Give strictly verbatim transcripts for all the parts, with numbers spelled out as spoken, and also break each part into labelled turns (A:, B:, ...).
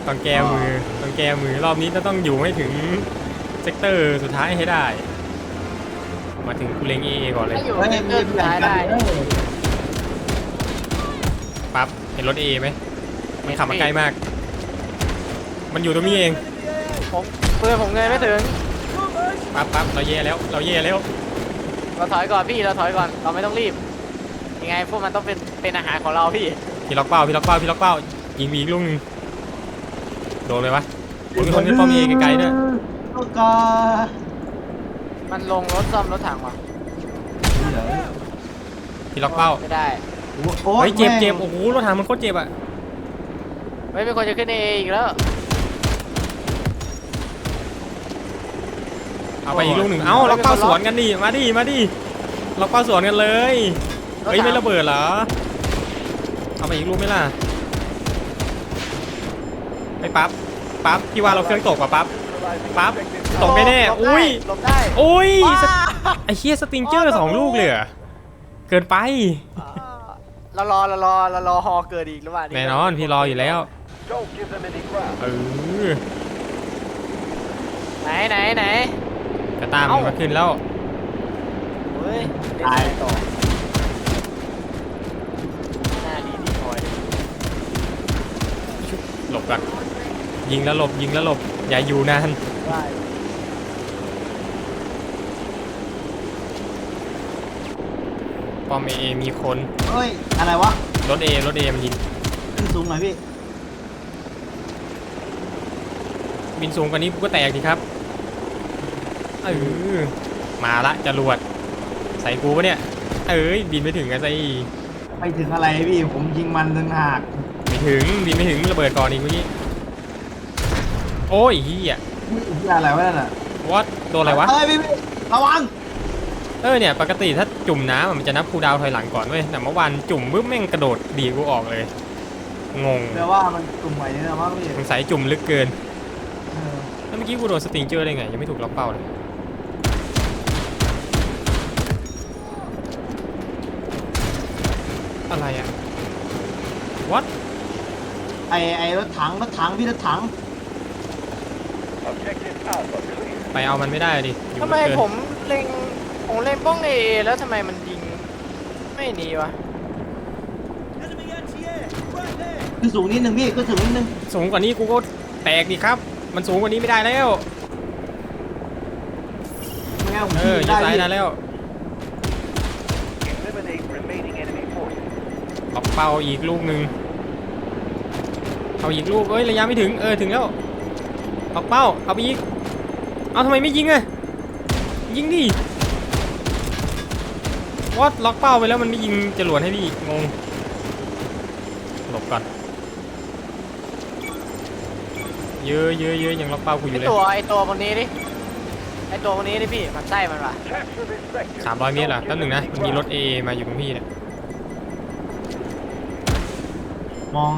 A: ต้องแก้มือต้องแก้มือรอบนี้จะต้องอยู่ให้ถึงเซกเตอร์สุดท้ายให้ได้ มาถึงกูเล็งเอก่อนเลย
B: ถ้าอยู่ในเดินท้ายได้
A: ปั๊บเห็นรถเอไหมมันขับมาใกล้มาก มันอยู่ตรงนี้เอง
B: ผมปืนผมเงยไม่ถึง
A: ปั๊บปั๊บเราเย่แล้วเราเย่แล้ว
B: เราถอยก่อนพี่เราถอยก่อนเราไม่ต้องรีบยังไงพวกมันต้องเป็นเป็นอาหารของเราพี่
A: พี่ล็อกเป้าพี่ล็อกเป้าพี่ล็อกเป้ายิงมีอีกลูกนึงโดนเลยวะมีคนขึ้นป้อมเอไกลๆด้วย
C: ลูกกา
B: มันลงรถซ่อมรถถังว่ะ
A: พี่ล็อกเป้า
B: ไม่ได้
C: โอ้
A: เฮ้
C: ย
A: ยเจ็บเจ็บโอ้โหรถถังมันโคตรเจ็บอ่ะ
B: ไม่เป็นคนจะขึ้นเออีกแล้ว
A: เอาไปอีกลูกหนึ่งเอ้าล็อกเป้าสวนกันดิมาดิมาดิล็อกเป้าสวนกันเลยเฮ้ยไม่ระเบิดเหรอเอาไปอีกลูกไหมล่ะไอ้ปั๊บปั๊บพี่ว่าเราเครื่องตกป่ะปั๊บปั๊บตกแน่ๆอุ้ย
B: หลบได้
A: อุ้ย
B: ว้า
A: ไอ้เฮียสติงเจอร์สองลูกเลยเหรอเกินไป
B: เรารอเรารอเรารอฮอเกิดอีกหรือเปล่า
A: แน่นอนพี่รออยู่แล้วเออ
B: ไหนไหนไหน
A: กระตามมันมาขึ้นแล้ว
B: เฮ้ยตายต่อหน้าดีดีคอย
A: หลบก่อนยิงแล้วหลบยิงแล้วหลบอย่าอยู่นาน
B: ได้
A: ปอมเอมีคน
C: เฮ้ยอะไรวะ
A: รถเอรถเอมันยิง
C: ขึ้นสูงหน่อยพี่
A: บินสูงกว่านี้กูก็แตกดีครับเออมาละจรวดใส่กูปะเนี่ยเอ้ยบินไม่ถึงกันสิ
C: ไปถึงอะไรพี่ผมยิงมันถึงหัก
A: ไม่ถึงบินไม่ถึงระเบิดก่อนอีกเมื่อกี้โอ้ยเฮีย
C: อุ้ยพี่อะไรวะนั่นน่ะ
A: วัดโดนอะไรวะ
C: เฮ้ยพี่พี่ระวัง
A: เออเนี่ยปกติถ้าจุ่มน้ำอะมันจะนับคูลดาวน์ถอยหลังก่อนเว้ยแต่เมื่อวานจุ่มปุ๊บแม่งกระโดดดีกูออกเลยงง
C: แปลว่ามันกลุ่มใหม่นี่นะมั้งพี่
A: สงสัยจุ่มลึกเกิน
C: เออ
A: แล้วเมื่อกี้กูโดนสติงเจอร์ได้ไงยังไม่ถูกล็อกเป้าเลยอะไรอะวัด
C: ไอไอรถถังรถถังพี่รถถัง
A: ไปเอามันไม่ได้ดิอยู่
B: ทำไม
A: ลึกเกิน
B: ผมเล็งผมเล็งป้องเอแล้วทำไมมันยิงไม่หนีวะ
C: ขึ้นสูงนิดนึงพี่ขึ้นสูงนิดนึง
A: สูงกว่านี้กูก็แตกดิครับ มันสูงกว่านี้ไม่ได้แล้ว
C: ไม่งั้นผม
A: เออ
C: ยิง
A: ยึด
C: ได้
A: ซ้าย
C: พี่
A: ได้แล้วล็อกเป้าอีกลูกหนึ่งเอาอีกลูกเอ้ยระยะไม่ถึงเออถึงแล้วล็อกเป้าเอาไปอีกเอาทำไมไม่ยิงอะยิงดิวัดล็อกเป้าไปแล้วมันไม่ยิงจรวดให้พี่งงหลบก่อนเยอะเยอะเยอะยังล็อกเป้ากูอยู่
B: ไอ
A: เลย
B: ตัวไอตัวคนนี้ดิไอตัวคนนี้ดิพี่มันไส้มันว่ะ
A: สามร้อยเมตรเหรอแป๊บหนึ่งนะมันมีรถ เอ มาอยู่ตรงพี่เนี่ย
C: มอง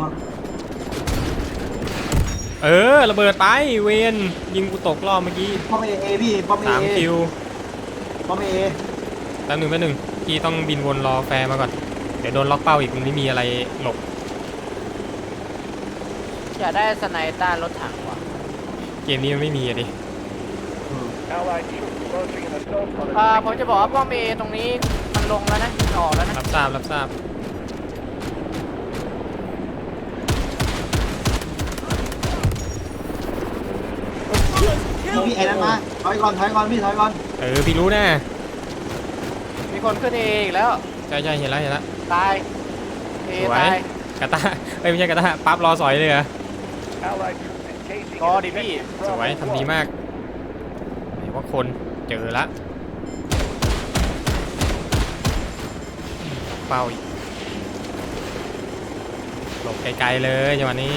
A: เออระเบิดไปเวนยิงกูตกรอบเมื่อกี้
C: ป้อมเอเอพี่ป้อมเอ
A: สามคิว
C: ป้อมเอ
A: แป๊บหนึ่งแป๊บหนึ่งพี่ต้องบินวนรอแฟร์มาก่อนเดี๋ยวโดนล็อกเป้าอีกมันไม่มีอะไรหลบ
B: อยากได้สไนต้ารถถังว่ะ
A: เกมนี้มันไม่มีอะดิ
B: อ่าผมจะบอกว่าป้อมเอตรงนี้มันลงแล้วนะมันออกแล้วนะ
A: รับทราบรับทราบ
C: พี่ไอ้นั่นมาถอยก่อนถอยก่อนพี่ถอยก่อน
A: เออพี่รู้แน่
B: มีคนขึ้นเออีกแล้ว
A: ใช่ใช่เห็นแล้วเห็นแล้ว
B: ตายเอ
A: สวย
B: ตาย
A: กาตาเอ้ยไม่ใช่กาตาปั๊บรอสอยเลยเหรอ
B: รอดิพี่
A: สวยทำดีมากไหนว่าคนเจอละเป้าอีกหลบไกลๆเลยจังหวะนี้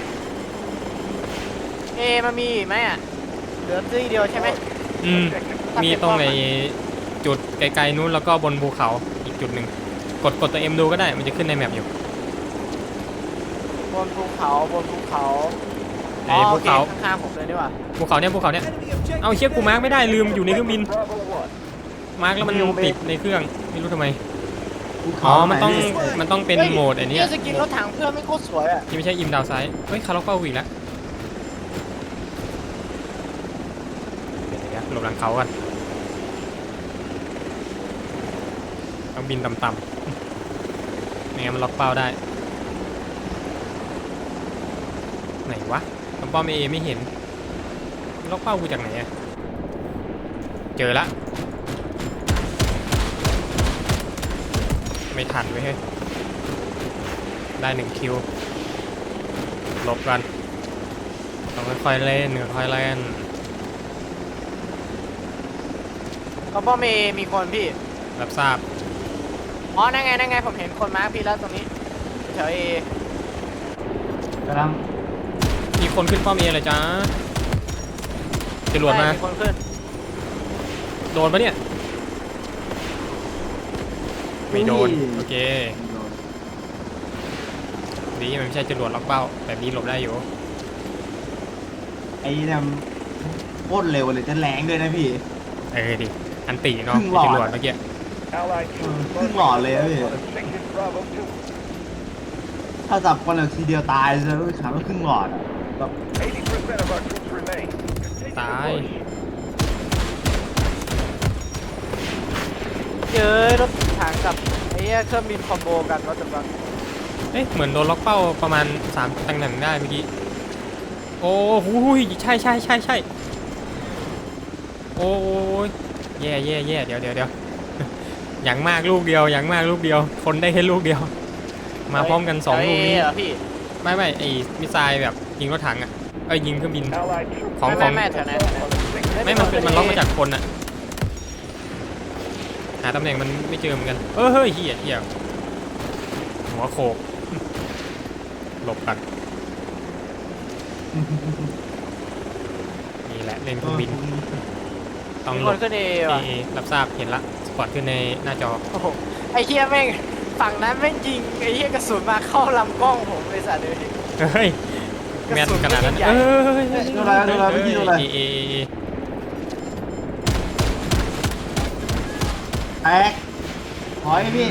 B: เอมันมีอีกไหมอ่ะเหลือที่เดียวใช่ไหม
A: อืมมีตรงในจุดไกลๆนู้นแล้วก็บนภูเขาอีกจุดหนึ่งกดกดตัวเอ็มดูก็ได้มันจะขึ้นในแมปอยู่
B: บนภูเขาบนภูเขา
A: ไอ้ภูเขา
B: โอคข้างๆผมเลยดีกว่า
A: ภูเขาเนี่ยภูเขาเนี่ยเอาเชือกกูมาร์กไม่ได้ลืมอยู่ในเครื่องบินมาร์กแล้วมันติดในเครื่องไม่รู้ทำไม
C: ภู
A: อ๋
C: เขา
A: อมันต้อง
C: ไหพี่
A: มันต้องเป็นโหมดไอ้นี่
B: เนี่ยสกินรถถังเพื่อนไม่โคตรสวยอ่ะ
A: ที่ไม่ใช่อิมดาวไซด์เฮ้ยคาร์ล็อกเป้าอีกแล้วหลบหลังเขากันต้องบินต่ำๆไม่งั้นมันล็อกเป้าได้ไหนวะตำป้อมเอไม่เห็นล็อกเป้ากูจากไหนอะเจอละไม่ทันเว้ยเฮ้ยได้หนึ่งคิวหลบกันต้องค่อยๆเล่นค่อยๆเล่น
B: เขาบอกมีมีคนพี่
A: รับทราบ
B: อ๋อนั่นไงนั่นไงผมเห็นคนมาร์คพี่แล้วตรงนี้แถวเอก
C: ำลัง
A: มีคนขึ้นป้อมเอเลยจ้าจรวดมา
B: มีคนขึ้น
A: โดนปะเนี่ยไม่โดนโอเคดีมันไม่ใช่จรวดล็อกเป้าแบบนี้หลบได้อยู่
C: ไอ้เนี่ยโคตรเร็วเลยจะแรงด้วยนะพี่
A: เออดิอันตีเนาะ
C: ครึ่งหลอด
A: จรวดเมื่อกี้
D: Allied
C: เออ
D: troops
C: ครึ่งหลอดเลยนะพี่
D: on objective Bravo two.
C: ถ้าจับคนแบบทีเดียวตายจะรู้ขาว่าครึ่งหลอดอะแบบ
D: eighty percent of our troops remain. Continue to
A: ตาย
D: push.
B: เจอรถถังกับไอ้เหี้ยเครื่องบินคอมโบกันว่าจะฟัง
A: เอ๊ะเหมือนโดนล็อกเป้าประมาณสามตำแหน่งได้เมื่อกี้โอ้โหใช่ใช่ใช่ใช่โอ้ยแย่แย่แย่เดี๋ยวเดี๋ยวเดี๋ยว อย่างมากลูกเดียวอย่างมากลูกเดียวคนได้แค่ลูกเดียว มาพร้อมกันสองลูกนี้
B: เเหรอพี่
A: ไม่ไม่ไอ้มิสไซล์แบบยิงรถถังอ่ะเอ้ยยิงเครื่องบิน
D: Allied troops
A: ของ
B: ไม่
A: ของ
B: ไม่ไม่แถวไหน
D: on objective
A: ไม่มันเป็นมันล็อกมาจากคนอ่ะหาตำแหน่งมันไม่เจอเหมือนกันเออเฮ้ยเหี้ยเหี้ยหัวโขก หลบกันนี่แหละเล่นเครื่องบินต้อง
B: มี
A: หล
B: ค
A: บ
B: นขึ้นเอ
A: เอ
B: ว่ะ
A: เอรับทราบเห็นละสปอตขึ้นในหน้าจอ
B: โอ้โหไอ้เหี้ยแม่งฝั่งนั้นแม่งยิงไอ้เหี้ยกระสุนมาเข้าลำกล้องผมเลยสัตว์เลย
A: เฮ้ยแม่นขนาดนั้น
B: กระสุนไม่ใหญ่
A: เอ้ย
C: ดูอะไรดูอะไรพี่ดูอะไร
A: เอเอเอเอ
C: แตกถอยพี่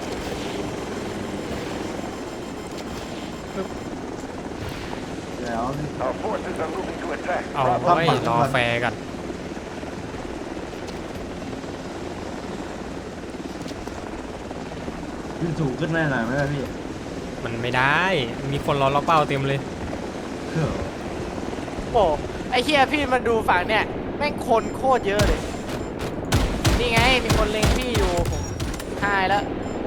C: เดี๋ยว
D: Our forces are moving to attack.
A: เอา
D: Bravo
A: ไว้รอแฟร์กัน
C: ขึ้นสูงขึ้นได้หน่อยไหมล่ะพี่
A: มันไม่ได้มีคนรอล็อกเป้าเต็มเลย
C: เฮ้อ
B: โอ้ไอ้เหี้ยพี่มาดูฝั่งเนี่ยแม่งคนโคตรเยอะเลยนี่ไงมีคนเล็งพี่อยู่ผมหายแล้ว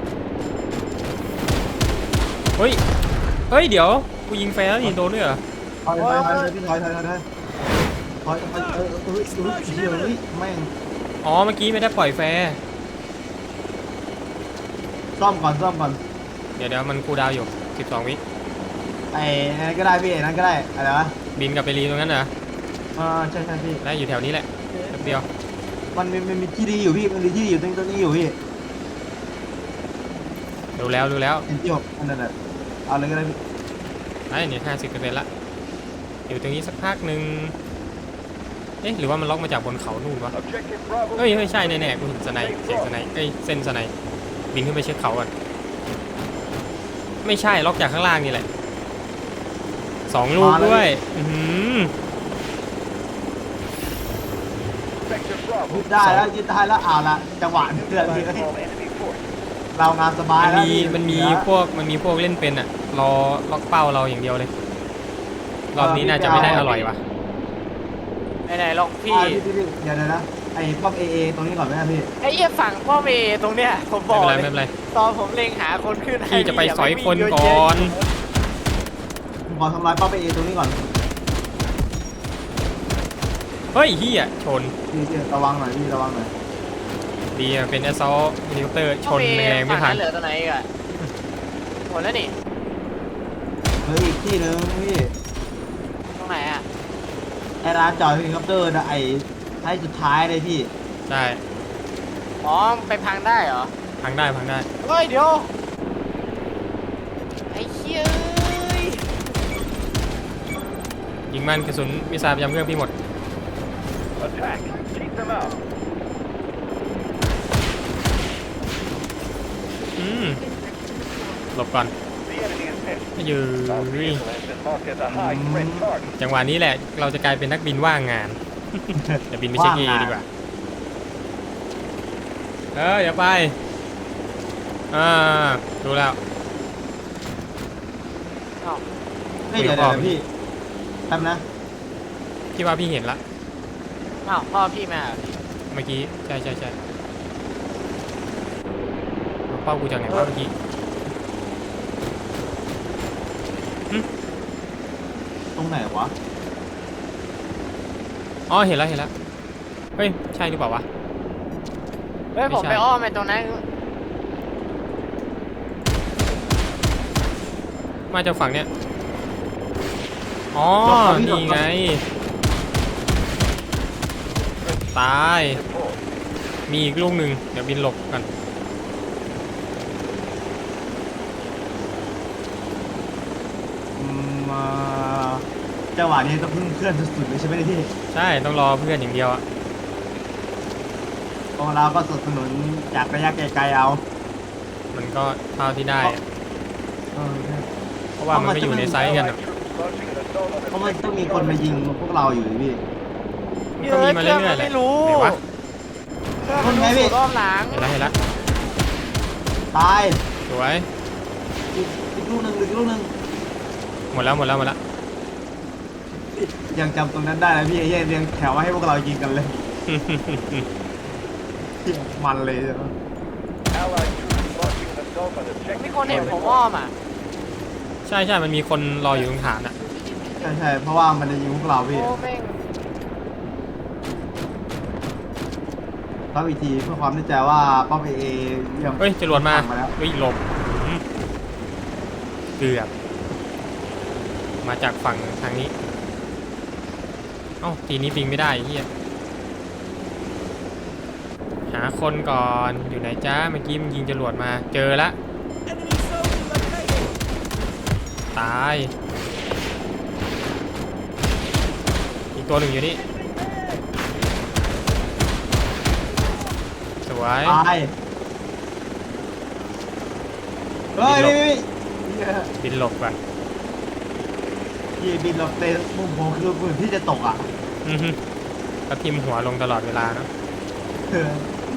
A: เฮ้ยเฮ้ยเดี๋ยวกูยิงแฟร์แล้วนี่โดนด้วยเหรอ
C: ถอยถอยถอยพี่ถอยถอยถอยถอยถอยถอยเออเออเออเดี๋ยวนี้แม่ง
A: อ๋อเมื่อกี้ไม่ได้ปล่อยแฟร์
C: ซ่อมก่อนซ่อมก่อน
A: เดี๋ยวเดี๋ยวมันคูลดาวน์อยู่สิบสองวิ
C: ไอ้นั่นก็ได้พี่นั่นก็ได้อะไรวะ
A: บินกลับไปรีตรงนั้นเหรอ
C: อ่าใช่ใช่พี่
A: ได้อยู่แถวนี้แหละแป๊บเดียว
C: มันมีมันมีที่ดีอยู่พี่มันมีที่ดีอยู่ตรงตรงนี้อยู่พี่
A: ดูแล้วดูแล้ว
C: เห็นที่ผมอันนั้นแหละเอาเลยก็ได้พี่
A: ได้เนี่ยห้าสิบเปอร์เซ็นต์ละอยู่ตรงนี้สักพักหนึ่งเอ๊ะหรือว่ามันล็อกมาจากบนเขานู่นวะ
D: Objective Bravo
A: เฮ้ยเฮ้ยใช่แน่ๆกูเห็นสไนเสียงสไนเอ้ยเส้นสไนบินขึ้นไปเช็คเขาก่อนไม่ใช่ล็อกจากข้างล่างนี่แหละสองลูกด้วยอือหือ
D: Sector Bravo.
C: ยึดได้แล้วยึดได้แล้วเอาละจังหวะเดือดพี่
D: Neutralize all enemy forces.
C: เรางานสบาย
A: มัน
C: แล้ว
A: มี
C: พี่
A: มันมีพวกมันมีพวกเล่นเป็นอ่ะรอล็อกเป้าเราอย่างเดียวเลยรอบนี้น่าจะไม่ได้อร่อยว่ะ
B: ไหนๆลองพี่
C: อ่าพี่พี่พี่เดี๋ยวเดี๋ยวนะไอ้ป้อมเอเอตรงนี้ก่อนไหมครับพี่
B: ไอ้เหี้ยฝั่งป้อมเอตรงเนี้ยผมบ
A: ไม่
B: อก
A: เป็นไร
B: เล
A: ไม่
B: ย
A: เป็นไร
B: ตอนผมเล็งหาคนขึ้น
A: พี่จะไป
B: ให้
A: สอยคน
B: เดี๋ว
A: ก่
B: ไม่มี
A: อน
C: ผมขอทำลายป้อมเอเอตรงนี้ก่อน
A: เฮ้ยเฮียชน
C: พี่พี่ระวังหน่อยพี่ระวังหน่อย
A: ดีอะเป็นแอสซอลนิวเตอร์ช
B: ป้อม
A: น
B: เอ
A: แรงไม่
B: ฝั่ง
A: ทัน
B: นั้นเหลือตัวไหนอีกอะหมดแล้วนี่
C: เฮ้ยอีกที่หนึงพี่
B: ตรงไหนอะ
C: ไอ้ร้านจอดเฮลิคอปเตอร์นะไอ้ท้ายสุดท้ายเลยพี่
A: ใช่
B: อ๋อไปพังได้เหรอ
A: พังได้พังได้
B: เฮ้ยเดี๋ยวไอ้เหี้ยเอ้ย
A: ยิงมันกระสุนมิสไซล์ประจำเครื่องพี่หมด
D: Attack. Keep them out.
A: อืมหลบก่อน
D: The enemy is hit.
A: ยื
D: Our
A: ย
D: vehicle has been marked as a high threat target.
A: จังหวะนี้แหละเราจะกลายเป็นนักบินว่างงานเดี๋ยวบินไปเช็คเอดีกว่าเอออย่าไปอ่าดูแล้ว
B: อ้าว
C: เฮ้ยเดี๋ยวเดี๋ยวพี่แป๊บนะ
A: พี่ว่าพี่เห็นละ
B: อ้าวพ่อพี่มาเหรอพี่
A: เมื่อกี้ใช่ใช่ใช่เอาเป้ากูจากไหนวะเมื่อกี้
C: ตรงไหนวะ
A: อ๋อเห็นแล้วเห็นแล้วเฮ้ยใช่หรือเปล่าวะ
B: เฮ้ย
A: ไม่
B: ผม
A: ใช่
B: ไปอ้อมไปตรงนั้น
A: มาจากฝั่งเนี้ยอ๋อนี่ไงตาย
D: Deploy.
A: มีอีกลูกหนึ่งเดี๋ยวบินหลบกัน
C: อืมอ่าจังหวะนี้ต้องพึ่งเพื่อนสุดๆเลยใช่ไหมเนี่ยพี่
A: ใช่ต้องรอเพื่อนอย่างเดียวอะ
C: เพราะเราก็สนับสนุนจากระยะไกลๆเอา
A: มันก็เท่าที่ได้อะ
C: เออใช่
A: เพราะว่ามันไม่อยู่ในไซส์กัน
D: Allied
A: อะ
D: troops launching an assault on
C: เพราะมันต้องมี
D: objective
C: คนมายิงพวกเราอยู่ดิพี่
A: มันก็มีมาเรื่อยๆแหละ
B: ไม่รู้
A: ไหนวะ
B: เพื่อนมันรู้สูตรอ้อมหลัง
A: เห็นแล้วเห็นแล้ว
C: ตาย
A: สวย
C: อีกอีกลูกหนึ่งอีกลูกหนึ่ง
A: หมดแล้วหมดแล้วหมดแล้ว
C: ยังจำตรงนั้นได้นะพี่ไอ้เหี้ยเรียงแถวให้พวกเรายิงกันเลยมันเลยใช่ไหม
D: Allied troops launching an assault on objective
B: มีคนเห็นผมอ้อมอ่ะ
A: ใช่ใช่มันมีคนรออยู่ตรงฐานอะ
C: ใช่ใช่เพราะว่ามันจะยิงพวกเราพี่
B: โอ้แม่ง
C: ต้องอีกทีเพื่อความแน่ใจว่าป้อมเอเอยัง
A: เฮ้ยจรวดมา
C: มาแล้ว
A: เฮ้ยหลบอืมเกือบมาจากฝั่งทางนี้เอ้าทีนี้ปิงไม่ได้ไอ้เฮียหาคนก่อนอยู่ไหนจ้าเมื่อกี้มันยิงจรวดมาเจอละตายอีกตัวหนึ่งอยู่นี่สวย
C: ตายเฮ้ยพี่พี่
A: บินหลบก่อน
C: พี่บินเราเตะมุมผมคือเหมือนที่จะตกอ่ะ
A: อือฮึก็ทิมหัวลงตลอดเวลาเนาะ
C: เออ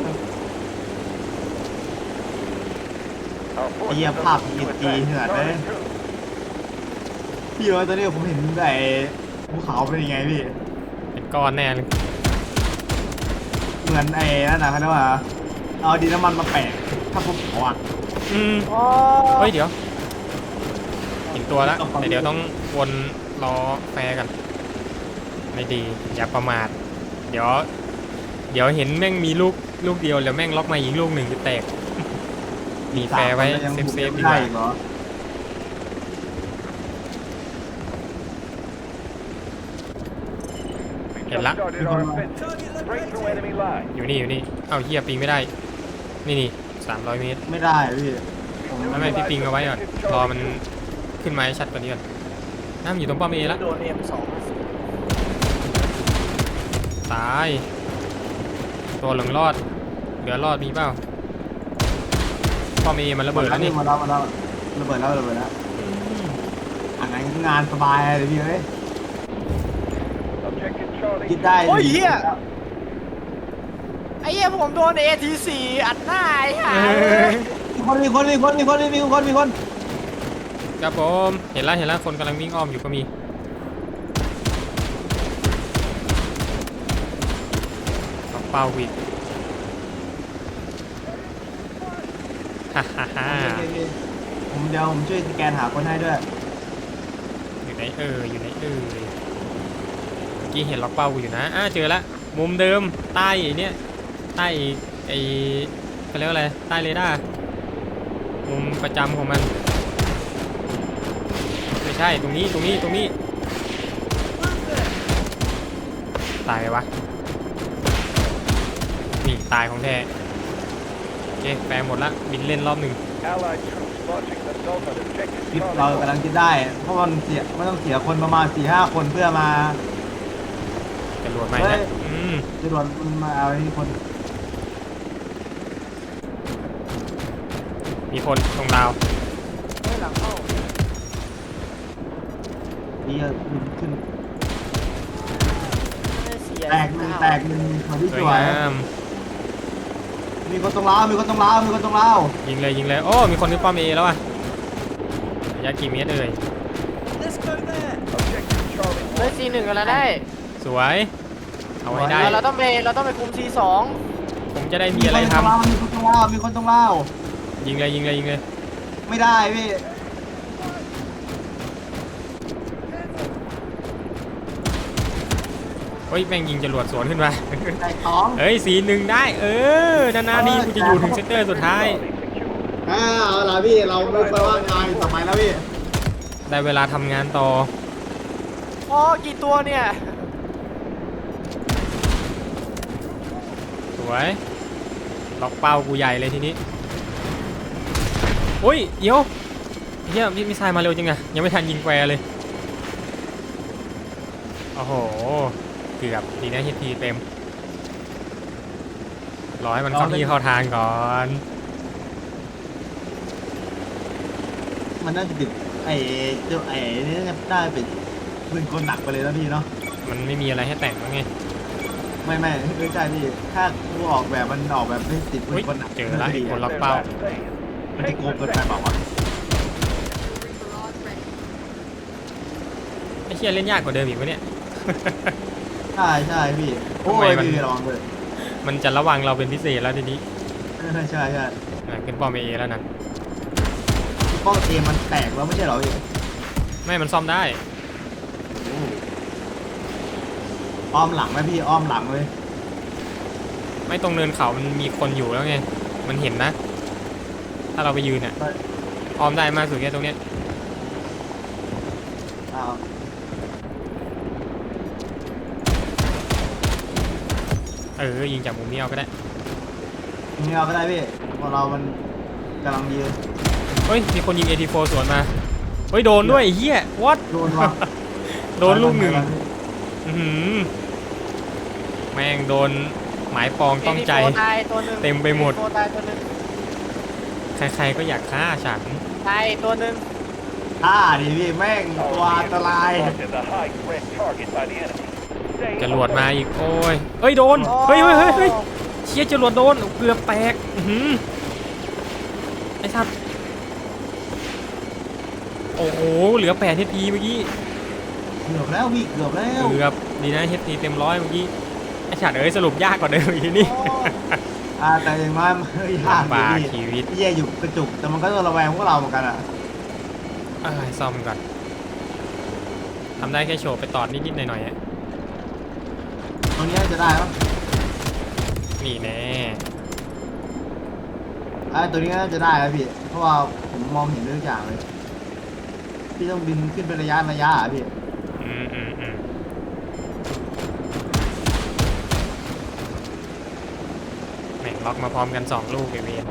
D: Our forces
C: Iya,
D: are
C: Pop,
D: moving to
C: iya,
D: attack
C: iya,
D: Charlie
C: iya.
D: two.
C: พี่ว่าตอนนี้ผมเห็นไอ้ภูเขาเป็นยังไงพี่
A: เป็นก้อนแน่เลย
C: เหมือนไอ้นั่นนะเขาเรียกว่าเอาดินน้ำมันมาแปะถ้าภูเขาอ่ะ
A: อืม
B: โอ้
A: เฮ้ยเดี๋ยวเห็นตัวแล้วแต่เดี๋ยวต้องวนรอแฟร์กัน ไม่ดีอย่าประมาทเดี๋ยว เดี๋ยวเห็นแม่งมีลูกลูกเดียวแล้วแม่งล็อกมาอีกลูกหนึ่งจะแตกมีแฟร์ไว้
C: สามคนก็ยัง
A: เซฟ
C: บุก
A: เซฟดี
C: ได้
A: กว่า
C: อีกเหรอ
D: We
A: Get
D: just
A: la-
D: started our offensive. Break through enemy lines.
A: อยู่นี่อยู่นี่เอ้าเฮียปิงไม่ได้ นี่นี่สามร้อยเมตร
C: ไม่ได้พี่
A: ไม่ไม่พี่ปิงเอาไว้ก่อนรอมันขึ้นมาให้ชัดกว่านี้ก่อนน้ำอยู่ตรงป้อมเอแล้ว
B: โดนเอ็มสอง
A: ตายตัวเหลืองรอดเหลือรอดมีเปล่าป้อมเอมันระเบิดแล้วนี่
C: มาแล้วมาแล้วระเบิดแล้วระเบิดแล้วอันนั้นงานสบายเลยพี่เอ้ย
D: Objective Charlie
C: คิดได้
B: โอ้ยเหี้ยไอ้เหี้ยผมโดนเอทีสี่อัดหน้าไอ้ห่า
C: มีคนมีคนมีคนมีคนมีคนมีคน
A: ครับผมเห็นแล้วเห็นแล้วคนกำลังวิ่งอ้อมอยู่ก็มีเอาเป้าวิดฮ่าฮ่าฮ่า
C: โอเคโอเคผมเดี๋ยวผมช่วยสแกนหาคนให้ด้วย
A: อยู่ไหนเอออยู่ไหนเออเมื่อกี้เห็นล็อกเป้ากูอยู่นะอ่าเจอละมุมเดิมใต้ไอ้เนี้ยใต้ไอ้เขาเรียกว่าอะไรใต้เรดาร์มุมประจำของมันไม่ใช่ตรงนี้ตรงนี้ตรงนี้ตายไหมวะนี่ตายของแท้โอเคแปลหมดละบินเล่นรอบหนึ่ง
D: Allied troops launching an assault on objective
C: คิด
D: Charlie
C: เรา
D: one.
C: กำลังคิดได้ เพราะมันเสียไม่ต้องเสียคนประมาณสี่ห้าคนเพื่อมา
A: จรวดไหม
C: เฮ้
A: นะ
C: ย
A: อืม
C: จรวดมันมาเอาไอ้คน
A: มีคนตรงดาว
B: เฮ้ยหลังเข้า
C: นี่บินขึ้น
B: เสีย
C: แตกหนึ่งแตกหนึ่งมาที่
A: ส
C: ส
A: วย
C: วย
A: งาม
C: มีคนตรงลาวมีคนตรงลาวมีคนตรงลาว
A: ยิงเลยยิงเลยโอ้มีคนขึ้นป้อมเอแล้วอ่ะระยะกี่เมตรเอ่ย
D: Objective Charlie
B: เฮ้ยซีหนึ่งกันแล้วได้
A: สวยเอาให้ได้
B: เราเราต้องไปเราต้องไปคุมซีสอง
A: ผมจะได้มีอะไรท
C: มีคนตรงลาวมีคนตรงลาว
A: ำยิงเลยยิงเลยยิงเลย
C: ไม่ได้พี่
A: เฮ้ยแม่งยิงจรวดสวนขึ้นมา
C: แตกสอง
A: เฮ้ยสีหนึ่งได้ เออนานๆนี่กูจะอยู่ถึงเซตเตอร์สุดท้าย
C: อ่าเอาล่ะพี่เราไม่ไปว่างานต่อไปแล้วพี่
A: ได้เวลาทำงานต่อ
B: อ๋อกี่ตัวเนี่ย
A: สวยล็อกเป้ากูใหญ่เลยทีนี้อุ้ยเดี๋ยวเฮียมิสไซล์มาเร็วจังอะยังไม่ทันยิงแควร์เลยโอ้โหเกือบดีนะฮิตทีเต็มรอให้มันเข้าที่เข้าทางก่อน
C: มันน่าจะติดไอ้เจ้าไอ้นี่น่าจะได้เป็นปืนคนหนักไปเลยนะพี่เนาะ
A: มันไม่มีอะไรให้แต่งแล้วไง
C: ไม่ไม่ไม่ใช่พี่ถ้ากูออกแบบมันออกแบบไม่ติดปื
A: อุ้ย
C: นคนหนัก
A: เจอละ
C: ดี
A: คน
C: อะ
A: ล็อกเป้า
C: มันจะโกงเกินไปเปล่าวะ
A: ไอ้เชี่ยเล่นยากกว่าเดิมอีกวะเนี่ย
C: ใช่ใช่พี่โอ้
A: ทำไม
C: ย
A: มัน
C: พี่ระวังเลย
A: มันจะระวังเราเป็นพิเศษแล้วทีนี้
C: ใช่ใช่ใช่
A: อ่ะขึ้นป้อมเอแล้วนะ
C: ป้องเอมันแตกแล้วไม่ใช่เหรอพี่
A: ไม่มันซ่อมได้
C: อ้อมหลังไหมพี่อ้อมหลังเลย
A: ไม่ตรงเนินเขามันมีคนอยู่แล้วไงมันเห็นนะ ถ้าเราไปยืนเนี่ยออมได้มากสุดแค่ตรงเนี้ย
C: อ้าว
A: เออยิงจากมุมนี้เอาก็ได้
C: ไม่เอาก็ได้พี่เพราะเรามันกำลังยืน
A: เฮ้ยมีคนยิง เอ ที โฟร์ สวนมาเฮ้ยโดนด้วยไอ้เฮียวัด
C: โดนวะ
A: โดนลูกหนึ่งอื้อหือแม่งโดนหมายปองต้องใจ
B: เอทีโฟร์ตายตัวหนึ่ง
A: เต็มไปหมด
B: เอทีโฟร์ตายตัวหนึ่ง
A: ใครๆก็อยากฆ่าฉัน
B: ตายตัวหนึ่ง
C: อ่าดิพี่แม่งตัวอันตราย
D: Spotted the high threat target by the enemy. Stay
A: จรวดมาอีกโอ้ยเฮ้ยโดนเฮ้ยเฮ้ยเฮ้ยเฮ้ยเชี่ยจรวดโดนเกือบแตกอื้อหือไอ้สัตว์โอ้โหเหลือแปดเฮดพีเมื่อกี้
C: เกือบแล้วพี่เกือบแล้ว
A: เกือบดีนะเฮดพีเต็มร้อยเมื่อกี้ไอ้ฉัดเอ้ยสรุปยากกว่าเดิมอีกนี่
C: อ่าแต่อย่างน้อยมันไม่ยาก
A: ลำบาก
C: พี่
A: ชีวิต
C: พี่แย่อยู่กระจุกแต่มันก็ต้องระแวงพวกเราเหมือนกันอ่ะ
A: เอ้ยซ่อมก่อนทำได้แค่โชว์ไปตอดนิดๆหน่อยๆอะ
C: ตรงนี้น่าจะได้ปะ
A: นี่แน่
C: อ่าตัวนี้น่าจะได้ครับพี่เพราะว่าผมมองเห็นทุกอย่างเลยพี่ต้องบินขึ้นเป็นระยะระยะอ่ะพี่
A: อืมอืมอืมแม่งล็อกมาพร้อมกันสองลูกไอเวน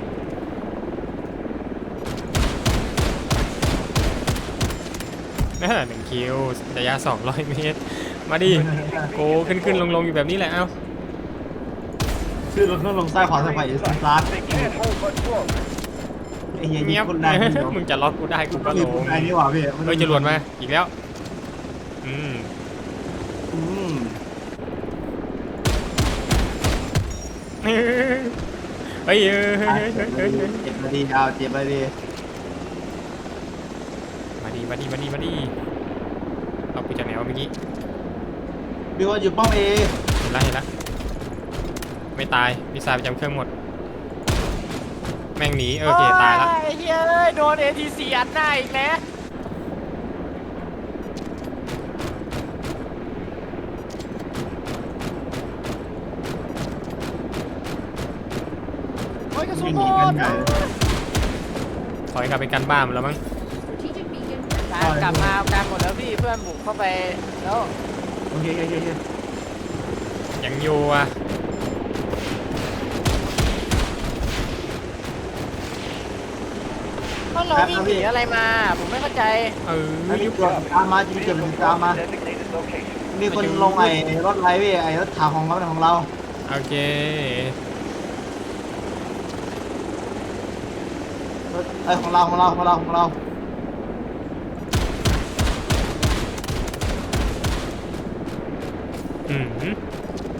A: น่าหนึ่งคิวระยะสองร้อยเมตร มาดิโกขึ้นขึ้นลงลงอยู่แบบนี้แหละเอ้า
C: ชื่อรถลงใต้ขวาสะพานอีสต์ลาส
D: They can't hold much longer.
C: ไอ้เหี้ยยิ
A: เงีย
C: ง
A: บ
C: คนแรงเดียว
A: มึงจะล็อกกูได้กูก็ล
C: ยิง
A: ง
C: คนแรงนี่หว่าพี่
A: เฮ้ยจรวดมาอีกแล้วอืม
C: อืม
A: เฮ้ยเฮ้ยเฮ้ยเฮ้ยเฮ้ย
C: เจ็บมาดีดาวเจ็บมาดี
A: มาดีมาดีมาดีมาดีเอากูจากไหนวะเมื่อกี้
C: มีคนอยู่ป้อมเอ
A: เห็นละเห็นละไม่ตายมิสไซล์ประจำเครื่องหมด แม่งหนีเออโอเคตายละ
B: โอ้ไอ้เฮ้ยเอ้ยโดน เอ ที ซี อัดหน้าอีกแล้วโอ้ยกระสุน
C: วิ่ง
B: ห
C: ห
B: ม
C: นีกัน
B: ด
C: ใหญ่เลย
A: ถอยกลับไปกันบ้านแล้วมั้ง
B: ตามกลับมาการหมดแล้วพี่เพื่อนบุกเข้าไปแล้ว
C: โอเคโอเคโอเค
A: ยังอยู่อ่ะ
B: เพราะเราวิ่งหนีอะไรมา ผมไม่เข้าใจ
A: เออ
C: อันนี้เกือบตามมาจริงเกือบตามมา
D: Designated location.
C: มีคนลงไอ้รถไลฟ์พี่ไอ้รถถังของเราเป็นของเรา
A: โอเค
C: รถไอ้ของเราของเราของเราของเรา
A: อืม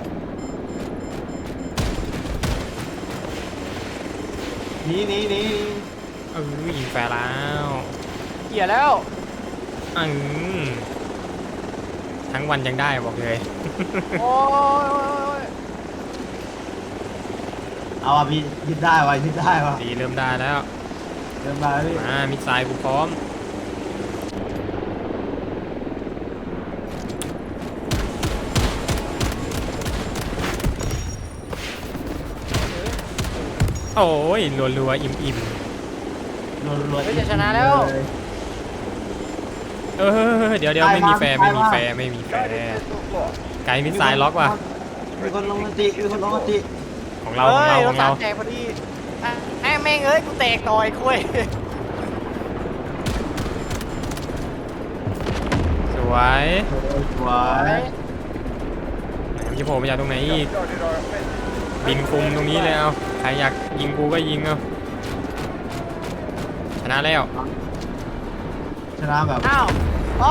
C: หนีหนีหนี
A: เออยิงแฟร์แล้ว
B: เหี้ยแล้ว
A: อืมทั้งวันยังได้บอกเลย
B: โอ้ย
C: เอาอ่ะพี่ยึดได้ว่ะยึดได้ว่ะ
A: ดีเริ่มได้แล้ว
C: เดินมาพี่
A: มามิดไซล์กูพร้อมโอ้ยรัวๆอิ่มๆ
C: รัวรัว
B: เฮ้ยจะชนะแล้ว
A: เออเดี๋ยวเดี๋ยวไม่มีแฟร์ไม่มีแฟร์ไม่มีแฟร์
D: Guided missile lost.
A: ไกด์มิสไซล์ล็อกว่ะ
C: มีคนลงมติมีคนลงมติ
A: ของเราของเรา
B: ฮ้ย
A: ของเรา
B: สมแตกพอดีอ่ะแม่งแม่งเอ้ยกูแตกต่อยคุย
A: สวย
C: สวย
A: ไหนมันจะโผล่มาจากตรงไหนอีก
D: Just started our offensive.
A: บินคุมตรงนี้เลยเอาใครอยากยิงกูก็ยิงเอาชนะแล้ว
C: ชนะแบบ
B: อ้าวอ้อ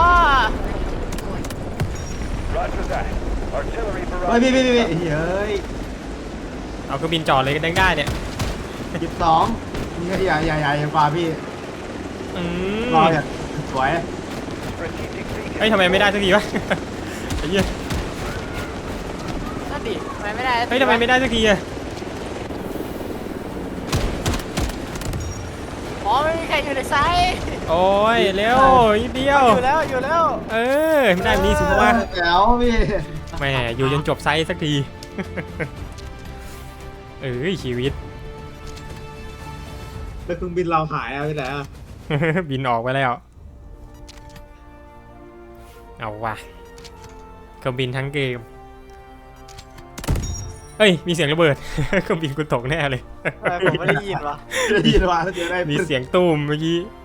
D: Roger that. Artillery
C: เฮ้ย
D: barrage.
C: พี่พี่พี่พี่เฮ้ย
A: เอาเครื่องบินจอดเลยก็ได้ได้เนี่ย
C: สิบสองนี่ก็ใหญ่ใหญ่ใหญ่กว่าพี่
A: อืม
C: รออย่างสวย
D: Strategic beacon.
A: เฮ้ยทำไมไม่ได้สักทีวะ ไอ้เหี้ย
B: นั่นดิทำไมไม่ได้
A: เฮ้ยทำไมไม่ได้สักทีอะ
B: อ๋อไม่มีใครอยู่ในไซต์
A: โอ้ยเร็วนิดเดียว
B: อยู่แล้วอยู่แล้ว
A: เออไม่ได้แบบนี้สิว่า
C: แจ๋วพี่
A: แหมอยู่จนจบไซส์สักที เอ้ยชีวิต
C: แล้วเครื่องบินเราหายเอาไปไหนอ่ะ
A: บินออกไปแล้ว เอาว่ะเครื่องบินทั้งเกม เฮ้ย มีเสียงระเบิด เครื่องบินกูตกแน่เลย
B: ทำไมผมไม่ได้ยินวะ
C: ได้ยินว่าถ้าเจอได้
A: มีเสียงตูมเมื่อกี้